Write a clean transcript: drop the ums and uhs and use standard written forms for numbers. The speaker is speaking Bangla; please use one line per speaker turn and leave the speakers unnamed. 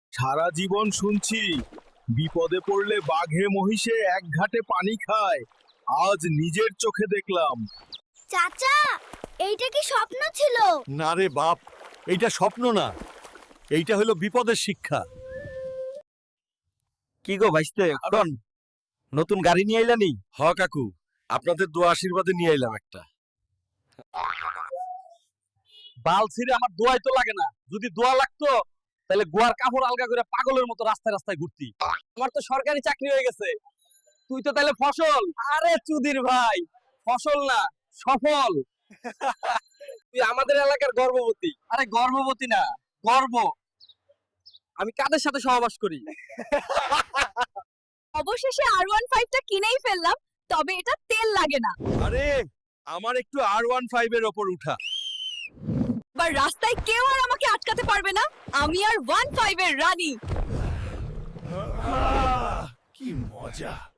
সারা জীবন শুনছি বিপদে পড়লে বাঘে মহিষে এক ঘাটে পানি খায়, আজ নিজের চোখে দেখলাম।
চাচা, এইটা কি স্বপ্ন ছিল?
না রে বাপ, এইটা স্বপ্ন না, এইটা হলো বিপদের শিক্ষা। কি গো ভাইস্তে, এখন নতুন গাড়ি নিয়ে আইলানি? হ কাকু, আপনাদের দোয়া আশীর্বাদে নিয়ে আইলাম একটা।
বাল ছিঁড়ে আমার দোয়াই তো লাগে না, যদি দোয়া লাগতো তাহলে গোয়ার কাপড় আলগা করে পাগলের মতো রাস্তায় রাস্তায় ঘুরতি। আমার তো সরকারি চাকরি হয়ে গেছে, তুই তো তাহলে ফসল। আরে চুদির ভাই, ফসল না সফল। তুই আমাদের এলাকার গর্ভবতী। আরে গর্ভবতী না, গর্ব। আমি কাদের সাথে সহবাস করি?
অবশেষে R15টা কিনেই ফেললাম, তবে এটা তেল লাগে না।
আরে আমার একটু R15 এর ওপর উঠা।
বা রাস্তায় কেউ আর আমাকে আটকাতে পারবে না, আমি আর 15 এর রানী।
কি মজা।